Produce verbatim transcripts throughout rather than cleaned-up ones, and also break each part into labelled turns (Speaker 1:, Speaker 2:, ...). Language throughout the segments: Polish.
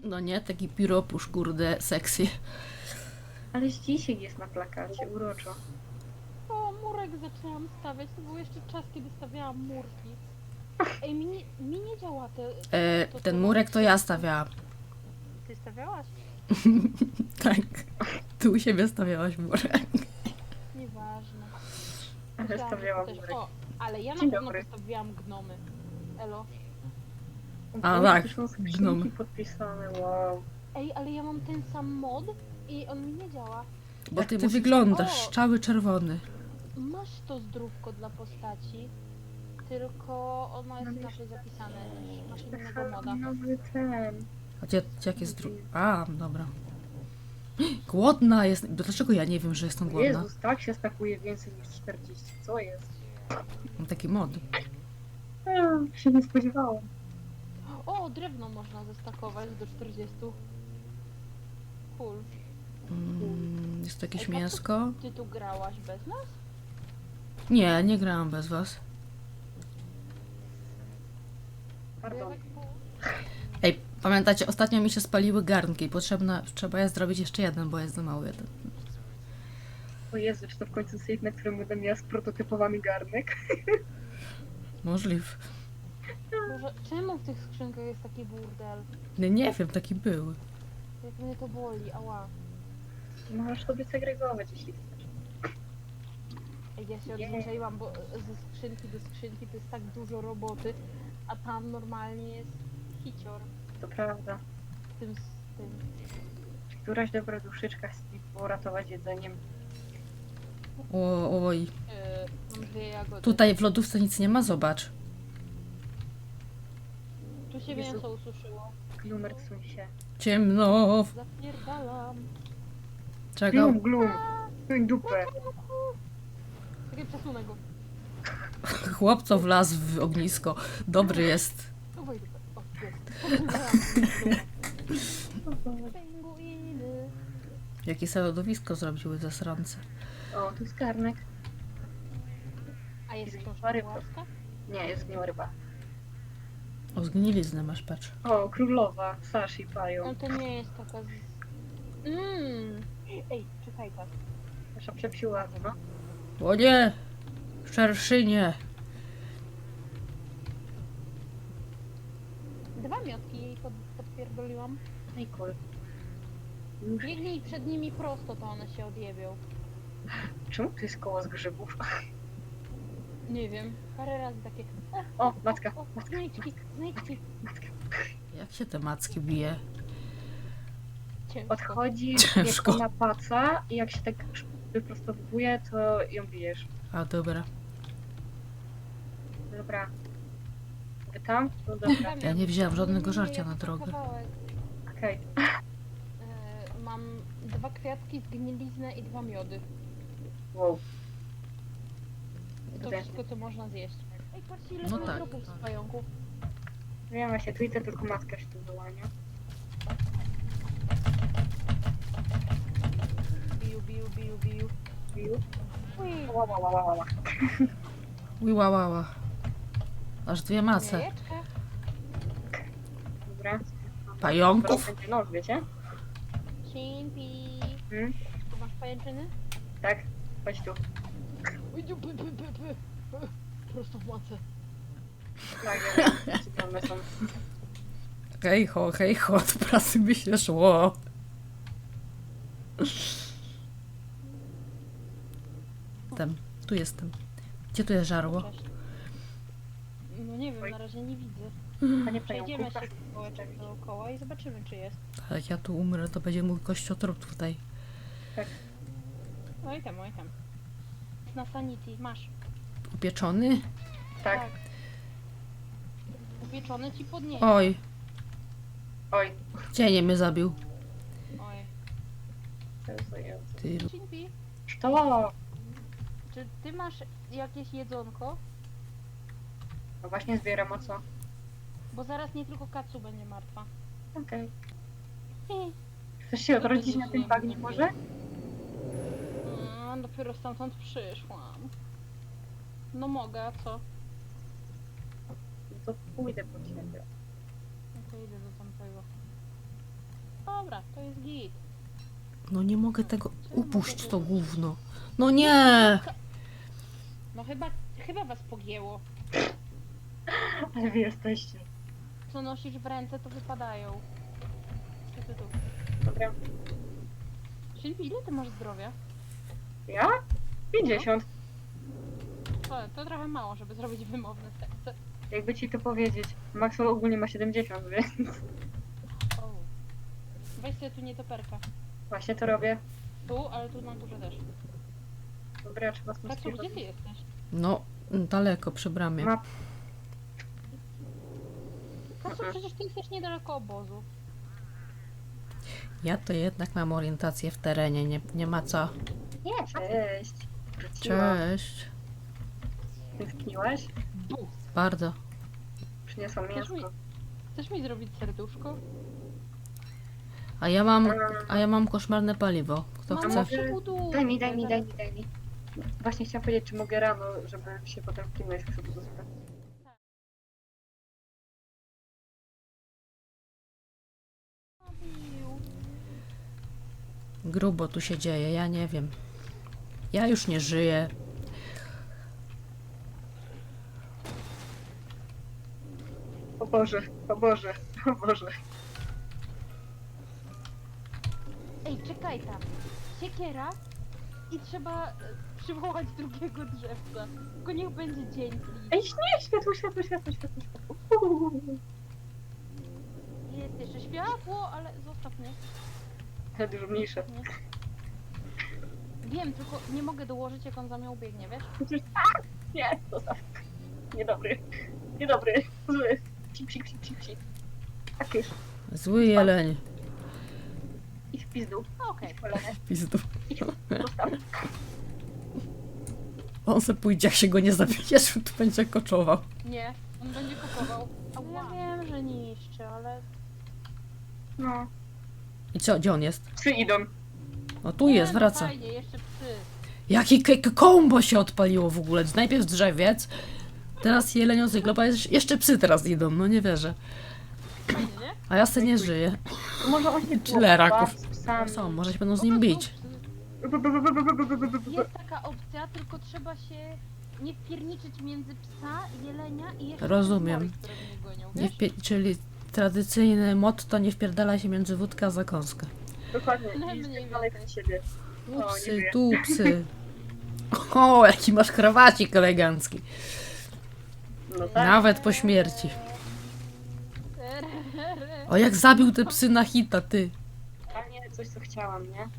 Speaker 1: No nie, taki piropusz, kurde, sexy.
Speaker 2: Ale dzisiaj jest na plakacie, uroczo.
Speaker 3: O, murek zaczęłam stawiać. To był jeszcze czas, kiedy stawiałam murki. Ej, mi nie, mi nie działa te...
Speaker 1: E,
Speaker 3: to-
Speaker 1: ten
Speaker 3: to-
Speaker 1: murek to ja stawiałam.
Speaker 3: Ty stawiałaś?
Speaker 1: Tak. Ty u siebie stawiałaś murek.
Speaker 3: Nieważne.
Speaker 2: Ale
Speaker 3: Myślałam, że
Speaker 2: stawiałam
Speaker 3: to też-
Speaker 2: murek.
Speaker 3: O, ale ja na
Speaker 2: Dzień
Speaker 3: pewno
Speaker 2: dobry.
Speaker 3: postawiłam gnomy. Elo.
Speaker 1: A,
Speaker 2: Boże,
Speaker 1: tak,
Speaker 2: tu są skrzynki
Speaker 1: gnomy.
Speaker 2: podpisane, wow.
Speaker 3: Ej, ale ja mam ten sam mod i on mi nie działa.
Speaker 1: Bo
Speaker 2: Jak
Speaker 1: ty
Speaker 2: ty
Speaker 1: wyglądasz,
Speaker 3: O!
Speaker 1: cały czerwony.
Speaker 3: Masz to zdrówko dla postaci, tylko ono jest
Speaker 2: No
Speaker 3: inaczej
Speaker 2: wiesz,
Speaker 3: zapisane. Masz
Speaker 2: Tak
Speaker 3: innego moda.
Speaker 2: nowy ten.
Speaker 1: A gdzie, jak jest dru... A, dobra. Głodna jest. Dlaczego ja nie wiem, że jestem głodna?
Speaker 2: Jezus, tak się stakuje więcej niż czterdzieści. Co jest?
Speaker 1: Mam taki mod.
Speaker 2: A, się nie spodziewałam.
Speaker 3: O, drewno można zestakować do czterdziestu. Cool.
Speaker 1: Mm, jest to jakieś
Speaker 3: Ej, patrz,
Speaker 1: mięsko?
Speaker 3: Ty tu grałaś bez nas?
Speaker 1: Nie, nie grałam bez was.
Speaker 3: Bo ja
Speaker 2: Pardon.
Speaker 3: tak po-
Speaker 1: Ej, pamiętacie, ostatnio mi się spaliły garnki i potrzebna, trzeba jest zrobić jeszcze jeden, bo jest za mały jeden.
Speaker 2: O Jezu, czy to w końcu safe, na którym będę miała sprototypowany garnek?
Speaker 1: Możliw.
Speaker 3: Boże, czemu w tych skrzynkach jest taki burdel?
Speaker 1: Nie, nie wiem, taki był.
Speaker 3: Jak mnie to boli, ała.
Speaker 2: Możesz sobie segregować, jeśli chcesz.
Speaker 3: Ej, ja się
Speaker 2: Nie.
Speaker 3: odzwyczaiłam, bo ze skrzynki do skrzynki to jest tak dużo roboty, a tam normalnie jest hicior
Speaker 2: To prawda.
Speaker 3: z tym, z tym.
Speaker 2: Któraś dobra duszyczka chce mi uratować jedzeniem.
Speaker 1: O, oj.
Speaker 3: Yy, mam dwie jagody.
Speaker 1: Tutaj w lodówce nic nie ma, zobacz.
Speaker 3: Tu się
Speaker 2: Jezu.
Speaker 3: mięso ususzyło.
Speaker 2: Glumer, suń się.
Speaker 1: Ciemno.
Speaker 3: Zapierdalam.
Speaker 1: Czego?
Speaker 2: Glum, glum. Suń dupę.
Speaker 3: Czekaj, przesunę go.
Speaker 1: Chłop, co wlazł w ognisko. Dobry jest.
Speaker 3: O, wejdę. O, jest. Pinguiny.
Speaker 1: Jakie sobie lodowisko zrobiły zasrance.
Speaker 2: O, tu jest garnek.
Speaker 3: A jest
Speaker 2: Jest
Speaker 3: książka
Speaker 2: ryba.
Speaker 3: łaska?
Speaker 2: Nie, jest gniła ryba.
Speaker 1: O, zgniliznę masz, patrz.
Speaker 2: O, królowa. Sashi
Speaker 3: No
Speaker 2: pają.
Speaker 3: to nie jest taka z... Mmm. Ej, czekaj tak.
Speaker 2: Nasza przepsiła, no.
Speaker 1: O nie! Szerszynie!
Speaker 3: Dwa miotki jej pod, podpierdoliłam.
Speaker 2: Ej, cool.
Speaker 3: Biegnij przed nimi prosto, to one się odjebią.
Speaker 2: Czemu tu jest koło z grzybów?
Speaker 3: Nie wiem. Parę razy takie...
Speaker 2: O, matka,
Speaker 3: O,
Speaker 2: matka,
Speaker 3: znajdźki, znajdźki.
Speaker 2: matka.
Speaker 1: Jak się te macki bije?
Speaker 3: Ciężko.
Speaker 2: Odchodzi
Speaker 1: Ciężko.
Speaker 2: jak na paca i jak się tak wyprostowuje, to ją bijesz.
Speaker 1: A, dobra.
Speaker 2: Dobra. Wy tam? No dobra.
Speaker 1: Ja nie wzięłam żadnego
Speaker 3: Nie, nie,
Speaker 1: żarcia
Speaker 3: ja
Speaker 1: na
Speaker 3: tylko
Speaker 1: drogę.
Speaker 3: kawałek.
Speaker 2: Okej.
Speaker 3: E, mam dwa kwiatki, zgniliznę i dwa miody.
Speaker 2: Wow.
Speaker 3: To
Speaker 2: Tutaj.
Speaker 3: wszystko, co można zjeść. Ej, patrzcie, ile
Speaker 1: No
Speaker 3: no
Speaker 1: tak,
Speaker 3: dropów
Speaker 1: tak.
Speaker 3: z pająków.
Speaker 2: Wiem właśnie, tu widzę tylko matka się tu wyłania.
Speaker 3: Biu, biu, biu, biu.
Speaker 2: Biu.
Speaker 3: Ui,
Speaker 2: Ła, ła, ła, ła, ła.
Speaker 1: Ła, ła, ła. Aż dwie mace.
Speaker 3: jajeczka.
Speaker 2: Dobra.
Speaker 1: Pająków?
Speaker 2: Teraz będzie noc, wiecie?
Speaker 3: Simpi.
Speaker 2: Hmm?
Speaker 3: Tu masz pajęczyny?
Speaker 2: Tak. Chodź tu.
Speaker 3: Ui, dziu, py, py, py, py. Prosto w macę.
Speaker 2: Tak, ja wiem. Gdzie one są.
Speaker 1: Hej ho, hej ho, od pracy by się szło. Jestem. Tu jestem. Gdzie tu jest żarło?
Speaker 3: Cześć. No nie wiem,
Speaker 2: Oj.
Speaker 3: na razie nie widzę.
Speaker 2: Panie
Speaker 3: Przejdziemy
Speaker 2: pająku.
Speaker 3: się kółeczek dookoła i zobaczymy, czy jest.
Speaker 1: Tak, jak ja tu umrę, to będzie mój kościotrup tutaj.
Speaker 3: Oj tam, oj tam. Na sanity, masz.
Speaker 1: Upieczony?
Speaker 2: Tak.
Speaker 3: Upieczone ci podniesie.
Speaker 1: Oj,
Speaker 2: Oj.
Speaker 1: cienie mnie zabił.
Speaker 3: Oj.
Speaker 2: Jezu, Jezu.
Speaker 1: Ty.
Speaker 3: Simpi,
Speaker 2: To!
Speaker 3: czy ty masz jakieś jedzonko?
Speaker 2: No właśnie zbieram, a co?
Speaker 3: Bo zaraz nie tylko Katsu będzie martwa.
Speaker 2: Okej.
Speaker 3: Hi.
Speaker 2: Chcesz się odrodzić na tym bagnie może?
Speaker 3: Mm, dopiero stamtąd przyszłam. No mogę, a co?
Speaker 2: No to pójdę po ciebie.
Speaker 3: No to idę do tamtego. Dobra, to jest git.
Speaker 1: No nie mogę tego... Upuść to gówno. No nie!
Speaker 3: No chyba, chyba was pogięło.
Speaker 2: Ale wy jesteście.
Speaker 3: Co nosisz w ręce, to wypadają. Tu, tu, tu.
Speaker 2: Dobra.
Speaker 3: Sylwii, ile ty masz zdrowia?
Speaker 2: Ja? pięćdziesiąt.
Speaker 3: To, to trochę mało, żeby zrobić wymowne serce.
Speaker 2: Jakby ci to powiedzieć. Maxwell ogólnie ma siedemdziesiąt, więc
Speaker 3: O. Weź sobie tu nietoperka.
Speaker 2: właśnie to robię.
Speaker 3: Tu, ale tu na górze też.
Speaker 2: Dobra, trzeba stąd
Speaker 3: Kaczu, gdzie ty jesteś?
Speaker 1: No, daleko przy bramie.
Speaker 2: Ma...
Speaker 3: Kaczu, przecież ty jesteś niedaleko obozu.
Speaker 1: Ja to jednak mam orientację w terenie, nie, nie ma co.
Speaker 2: Nie, cześć. Wróciłam.
Speaker 1: Cześć.
Speaker 2: Tęskniłaś?
Speaker 3: Bus.
Speaker 1: Bardzo.
Speaker 2: Przyniosłam
Speaker 3: Chcesz mi,
Speaker 2: mięsko.
Speaker 3: chcesz mi zrobić serduszko?
Speaker 1: A ja mam, a ja mam koszmarne paliwo. Kto
Speaker 3: Mamo,
Speaker 1: chce?
Speaker 3: przebuduj.
Speaker 2: Daj mi, daj mi, daj mi, daj mi. Właśnie chciałam powiedzieć, czy mogę rano, żeby się potem w kimś przebudować.
Speaker 1: Grubo tu się dzieje, ja nie wiem. Ja już nie żyję.
Speaker 2: O Boże, o Boże, o Boże.
Speaker 3: Ej, czekaj tam. Siekiera i trzeba e, przywołać drugiego drzewca. Tylko niech będzie dzień. please.
Speaker 2: Ej, nie, światło, światło, światło, światło, światło.
Speaker 3: Jest jeszcze światło, ale zostaw mnie.
Speaker 2: Ale dużo mniejsze.
Speaker 3: Nie. Wiem, tylko nie mogę dołożyć, jak on za mną biegnie, wiesz?
Speaker 2: Przecież tak! Nie, zostaw. Niedobry. Niedobry. Zły. Psik, psik, psik, psik, psik. Tak już.
Speaker 1: Zły jeleń.
Speaker 2: Idź w pizdu.
Speaker 3: Okej.
Speaker 2: Idź kolene.
Speaker 1: Pizdu.
Speaker 2: Idź. Zostaw.
Speaker 1: On se pójdzie, jak się go nie zabijesz, to będzie koczował.
Speaker 3: Nie, on będzie kupował. Ja wiem, że niszczy, ale...
Speaker 2: No.
Speaker 1: I co, gdzie on jest?
Speaker 2: Psy idą.
Speaker 1: O, tu
Speaker 3: Nie,
Speaker 1: jest,
Speaker 3: no
Speaker 1: wraca.
Speaker 3: Fajnie, jeszcze psy.
Speaker 1: Jaki k- k- kombo się odpaliło w ogóle. Najpierw drzewiec, teraz jelenią cyklopa, jeszcze psy teraz idą, no nie wierzę.
Speaker 3: Fajnie, nie?
Speaker 1: A ja se nie żyję.
Speaker 2: Może on się
Speaker 1: Tyle raków.
Speaker 2: z psami.
Speaker 1: Są, może się będą z nim bić.
Speaker 3: Jest taka opcja, tylko trzeba się nie wpierniczyć między psa, jelenia i jeszcze
Speaker 1: Rozumiem.
Speaker 3: moich, które mnie gonią,
Speaker 1: Nie
Speaker 3: wiesz?
Speaker 1: wpie- czyli tradycyjne motto, nie wpierdala się między wódkę a zakąskę.
Speaker 2: Dokładnie.
Speaker 3: No,
Speaker 2: I
Speaker 3: mniej
Speaker 2: dalej
Speaker 3: więcej.
Speaker 2: przed siebie.
Speaker 1: Tu
Speaker 2: O, nie
Speaker 1: psy,
Speaker 2: żyję.
Speaker 1: tu psy. O, jaki masz krawacik elegancki.
Speaker 2: No tak.
Speaker 1: Nawet po śmierci. O, jak zabił te psy na hita, ty.
Speaker 2: Totalnie coś, co chciałam, nie?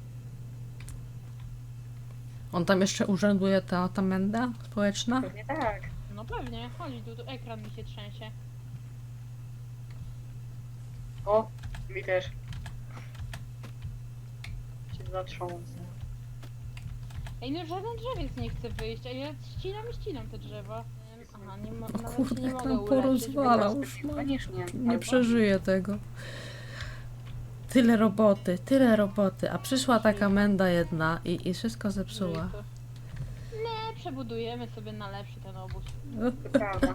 Speaker 1: On tam jeszcze urzęduje, ta, ta menda społeczna?
Speaker 2: Pewnie tak.
Speaker 3: No pewnie, chodź tu, tu ekran mi się trzęsie.
Speaker 2: O, mi też. Się zatrząsę.
Speaker 3: Ej, no żaden drzewiec nie chce wyjść, a ja ścinam i ścinam te drzewa. Aha, nie mo-
Speaker 1: O
Speaker 3: nawet
Speaker 1: kurde,
Speaker 3: się nie
Speaker 1: jak
Speaker 3: mogę
Speaker 1: nam
Speaker 3: uleczyć.
Speaker 1: porozwalał.
Speaker 3: bo-
Speaker 1: już, no.
Speaker 2: Koniecznie.
Speaker 1: Nie przeżyję tego. Tyle roboty, tyle roboty, a przyszła taka menda jedna i, i wszystko zepsuła.
Speaker 3: Nie, przebudujemy sobie na lepszy ten obóz.
Speaker 2: To prawda.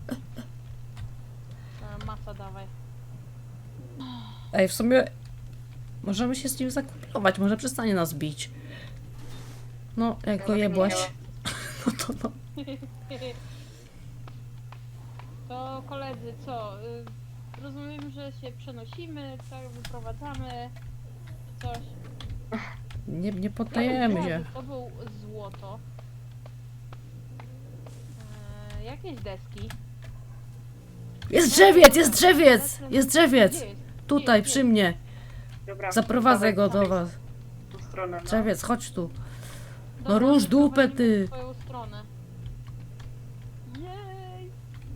Speaker 3: E, Masa dawaj.
Speaker 1: Ej, w sumie możemy się z nim zakuplować, może przestanie nas bić. No, jak go jebłaś, no to no.
Speaker 3: To koledzy, co? y, Rozumiem, że się przenosimy, tak, wyprowadzamy, coś.
Speaker 1: Nie, nie poddajemy się.
Speaker 3: To był złoto. E, jakieś deski.
Speaker 1: Jest drzewiec, jest drzewiec, jest drzewiec.
Speaker 3: Gdzie jest?
Speaker 1: Tutaj,
Speaker 3: Gdzie
Speaker 1: przy
Speaker 3: jest?
Speaker 1: mnie.
Speaker 2: Dobra.
Speaker 1: Zaprowadzę go
Speaker 2: dawaj,
Speaker 1: do was.
Speaker 2: w tą stronę, no.
Speaker 1: Drzewiec, chodź tu.
Speaker 3: Dobra,
Speaker 1: No rusz dupę,
Speaker 3: prowadzimy
Speaker 1: ty.
Speaker 3: w twoją stronę. Jej!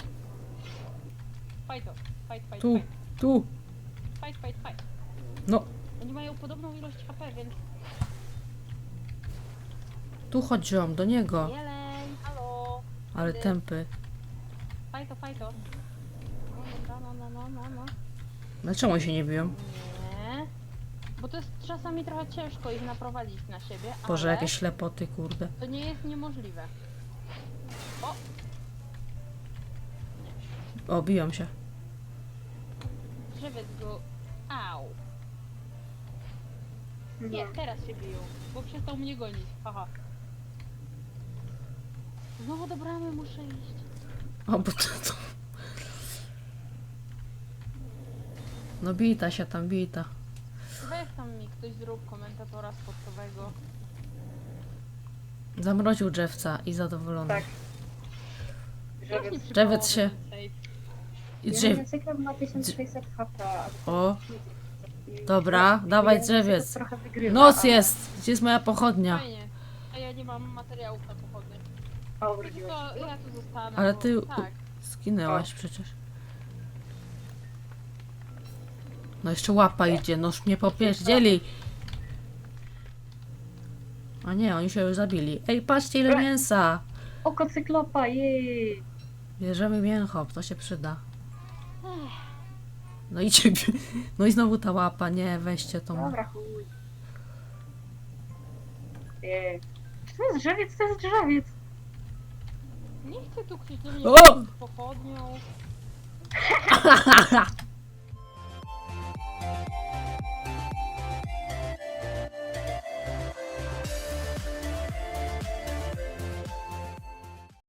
Speaker 3: Fight to, fight, fight,
Speaker 1: Tu,
Speaker 3: fight,
Speaker 1: tu.
Speaker 3: fight, fight, fight.
Speaker 1: No,
Speaker 3: Oni mają podobną ilość H P, więc...
Speaker 1: tu chodź ziom, do niego.
Speaker 3: Jeleń, halo!
Speaker 1: Ale tępy.
Speaker 3: Fight to, fight to. No, no, no, no, no, no.
Speaker 1: Dlaczego oni się nie biją?
Speaker 3: Nie. Bo to jest czasami trochę ciężko ich naprowadzić na siebie,
Speaker 1: Boże,
Speaker 3: ale
Speaker 1: jakieś ślepoty, kurde.
Speaker 3: to nie jest niemożliwe. O!
Speaker 1: O, biją się.
Speaker 3: Drzewiec go... Au! Nie, teraz się biją, bo przestał mnie gonić. Haha. Znowu do bramy muszę iść.
Speaker 1: O, bo to, to... No bita się tam, bita.
Speaker 3: Weź tam mi ktoś zrób komentatora sportowego.
Speaker 1: Zamroził drzewca i zadowolony.
Speaker 2: Tak.
Speaker 3: Właśnie
Speaker 2: Żewiec.
Speaker 3: przy
Speaker 1: Drzewiec
Speaker 3: połowie
Speaker 1: się-
Speaker 3: ten safe.
Speaker 1: I
Speaker 2: Ja
Speaker 1: drzew...
Speaker 2: na cyklem ma tysiąc sześćset H P. a-
Speaker 1: O,
Speaker 2: i-
Speaker 1: dobra,
Speaker 2: i
Speaker 1: dawaj
Speaker 2: ja
Speaker 1: drzewiec.
Speaker 2: trochę wygrywa,
Speaker 1: Noc
Speaker 2: ale-
Speaker 1: jest! Gdzie jest moja pochodnia?
Speaker 3: Fajnie. A ja nie mam materiałów na pochodnie.
Speaker 2: O,
Speaker 3: To
Speaker 2: urodziłeś.
Speaker 3: ja tu zostanę.
Speaker 1: Ale
Speaker 3: bo-
Speaker 1: ty-
Speaker 3: Tak.
Speaker 1: Skinęłaś przecież. No jeszcze łapa idzie, noż mnie popierdzieli. A nie, oni się już zabili. Ej, patrzcie ile mięsa!
Speaker 2: Oko cyklopa, jej!
Speaker 1: Bierzemy mięcho, to się przyda.
Speaker 3: Ech,
Speaker 1: No i ciebie. No i znowu ta łapa, nie, weźcie tą.
Speaker 2: Dobra, chuj. Jej. Czy to jest drzewiec? To jest drzewiec!
Speaker 3: Nie chcę tu ktoś do mnie
Speaker 1: O!
Speaker 3: z pochodnią.